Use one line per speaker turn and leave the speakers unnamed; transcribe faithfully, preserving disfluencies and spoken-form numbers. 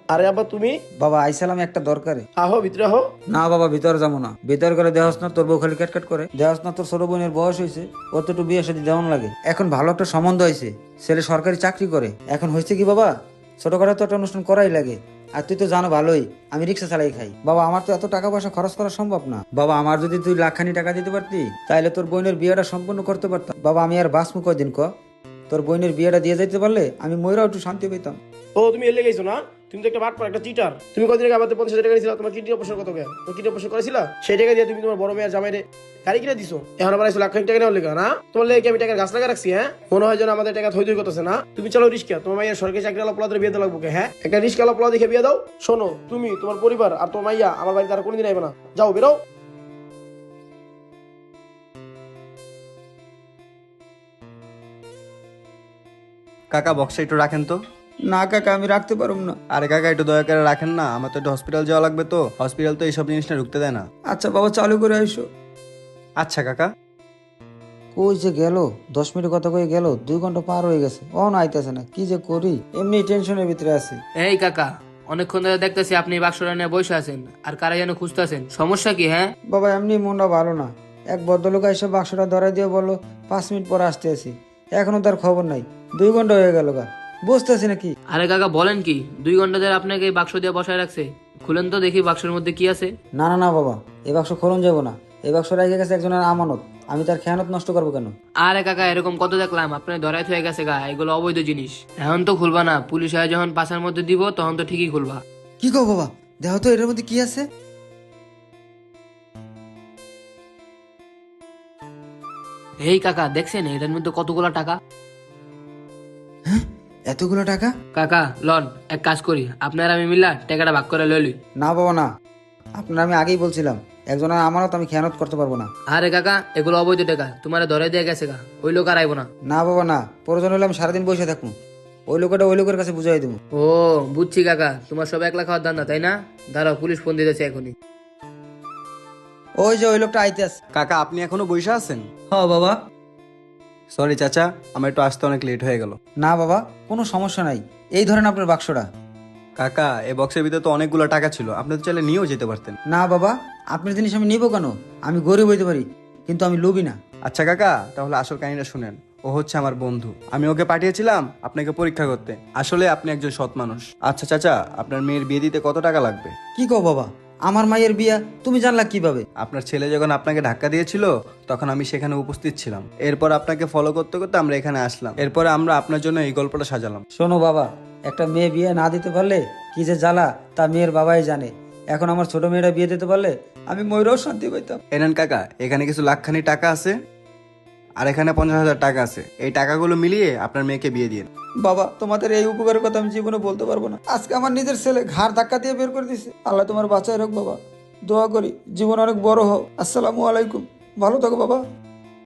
আরে আব্বা তুমি?
বাবা আইসালাম একটা দরকারে।
আহো ভিতরে আহো।
না বাবা ভিতরে যাবো না, ভিতর করে দেহস না তোর বউ খালি ক্যাটকাট করে। দেহস না তোর ছোট বোনের বয়স হয়েছে, ওর তো একটু বিয়ে সাথে দেওয়ান লাগে। এখন ভালো একটা সম্বন্ধ হয়েছে, ছেলে সরকারি চাকরি করে। এখন হয়েছে কি বাবা, ছোটখাটো তো একটা অনুষ্ঠান করাই লাগে। আর তুই তো জানো ভালোই আমি রিক্সা চালাই খাই। বাবা আমার তো এত টাকা পয়সা খরচ করা সম্ভব না। বাবা আমার যদি তুই লাখখানি টাকা দিতে পারতি তাহলে তোর বোনের বিয়েটা সম্পূর্ণ করতে পারতাম। বাবা আমি আর বাঁচমু কয়দিন ক? তোর বোনের বিয়েটা দিয়ে যাইতে পারলে আমি ময়রাও একটু শান্তি পেতাম।
ও তুমি এলে গেছো না? তুমি তো একটা বাটপার, একটা চিটার। তুমি কদিন আগে আমাদের পঞ্চাশ হাজার টাকা দিয়েছিলা, তোমার কিডনি অপারেশন কত গেল? তোমার কিডনি অপারেশন করেছিলা, সেই টাকা দিয়ে তুমি তোমার বড় মেয়ের জামাইরে গাড়ি কিনে দিছো। এখন আবার এসে লাখ খানিক টাকা নেওয়ার লেগে না? তোমার লেগে আমি টাকার গাছ লাগা রাখছি? হ্যাঁ, মনে হয় যেন আমাদের টাকা থই থই করতেছে না। তুমি চলো রিস্কা, তোমার মাইয়ার সরকারি চাকরি আলা পোলাদের বিয়ে দেওয়া লাগবো। হ্যাঁ, একটা রিস্কা আলা পোলা দেখে বিয়ে দাও। শোনো, তুমি তোমার পরিবার আর তোমার মাইয়া আমার বাড়িতে আর কোনোদিন আইবে না। যাও বেরো।
কাকা বক্সটা একটু রাখেন তো।
না কাকা আমি রাখতে পারুম না।
আরে কাকা একটু দয়া করে রাখেন না, আমার তো একটু হসপিটাল যাওয়া লাগবে, তো হসপিটাল তো এইসব জিনিসটা ঢুকতে দেয় না।
আচ্ছা বাবা চালু করে আইসো।
আচ্ছা কাকা।
কই যে গেল, দশ মিনিট কথা কয়ে গেল, দুই ঘন্টা পার হয়ে গেছে, ও না আইতেছে না। কি যে করি, এমনি টেনশনের ভিতরে আছি।
এই কাকা, অনেকক্ষণ ধরে দেখতেছি আপনি বাক্সটা নিয়ে বসে আছেন আর কারা যেন খুঁজতেছেন। সমস্যা কি? হ্যাঁ,
বাবা এমনি মনটা ভালো না। এক ভদ্রলোক এসে বাক্সটা ধরাই দিয়ে বললো পাঁচ মিনিট পরে আসতে আসি। এখনো তার খবর নাই, দুই ঘন্টা হয়ে গেল গা, বুঝতেছি না কি।
আরে কাকা বলেন কি, দুই ঘন্টা ধরে আপনাকে এই বাক্স দিয়ে বসায় রাখছে? খুলেন তো দেখি বাক্সের মধ্যে কি আছে।
না না না বাবা, এই বাক্স খোলন যাবো না। এই বাক্স রেখে গেছে একজনের আমানত, আমি তার খেয়ানত নষ্ট করবো কেন?
আরে কাকা এরকম কত দেখলাম, আপনার ধরাই হয়ে গেছে গা, এগুলো অবৈধ জিনিস। এখন তো খুলবা না, পুলিশ আয় যখন পাশার মধ্যে দিব তখন তো ঠিকই খুলবা।
কি কো বাবা, দেখো তো এটার মধ্যে কি আছে।
এই কাকা দেখছেন এটার মধ্যে কতগুলো টাকা?
এতগুলো টাকা?
কাকা লন, এক কাজ করি, আপনার আমি মিলা টাকাটা ভাগ করে লইলি।
না বাবা না, আপনার আমি আগেই বলছিলাম একজনের আমানত আমি খেয়ানত করতে পারবো না।
আরে কাকা এগুলো অবৈধ টাকা, তোমার ধরে দিয়ে গেছে গা, ওই লোক আর আইবো না।
না বাবা না, প্রয়োজন হলে আমি সারাদিন বসে থাকবো, ওই লোকটা ওই লোকের কাছে বুঝাই দেবো।
ও বুঝছি কাকা, তোমার সব একলা খাওয়ার ধান্দা তাই না? দাঁড়াও পুলিশ ফোন দিতেছে এখনই।
ওই যে ওই লোকটা আইতে আছে।
কাকা আপনি এখনো বসে আছেন?
হ্যাঁ বাবা।
সরি চাচা, আমার একটু আসতে অনেক লেট হয়ে গেল।
না বাবা কোনো সমস্যা নাই, এই ধরেন আপনার বাক্সটা।
কাকা এই বক্সের ভিতরে তো অনেকগুলো টাকা ছিল, আপনি তো চাইলে নিয়েও যেতে পারতেন।
না বাবা, আপনার জিনিস আমি নিবো কেন? আমি গরিব হইতে পারি কিন্তু আমি লোভী না।
আচ্ছা কাকা, তাহলে আসল কাহিনীটা শুনেন। ও হচ্ছে আমার বন্ধু, আমি ওকে পাঠিয়েছিলাম আপনাকে পরীক্ষা করতে। আসলে আপনি একজন সৎ মানুষ। আচ্ছা চাচা, আপনার মেয়ের বিয়ে দিতে কত টাকা লাগবে?
কি কও বাবা, আমার মায়ের বিয়া তুমি জানলা কিভাবে?
আপনার ছেলে যখন আপনাকে ধাক্কা দিয়েছিল তখন আমি সেখানে উপস্থিত ছিলাম। এরপর আপনাকে ফলো করতে করতে আমরা এখানে আসলাম, এরপরে আমরা আপনার জন্য এই গল্পটা সাজালাম।
শোনো বাবা, একটা মেয়ে বিয়ে না দিতে পারলে কি যে জ্বালা তা মেয়ের বাবাই জানে। এখন আমার ছোট মেয়েরা বিয়ে দিতে পারলে আমি ময়ূরও শান্তি পাইতাম।
এনেন কাকা, এখানে কিছু লাখখানি টাকা আছে আর এখানে পঞ্চাশ হাজার টাকা আছে, এই টাকাগুলো মিলিয়ে আপনার মেয়েকে বিয়ে দিন।
বাবা তোমাদের এই উপকারের কথা আমি জীবনে বলতে পারবো না। আজকে আমার নিজের ছেলে ঘাড় ধাক্কা দিয়ে বের করে দিছে। আল্লাহ তোমার বাঁচায় রাখ বাবা, দোয়া করি জীবন অনেক বড় হোক। আসসালামু আলাইকুম, ভালো থাকো বাবা।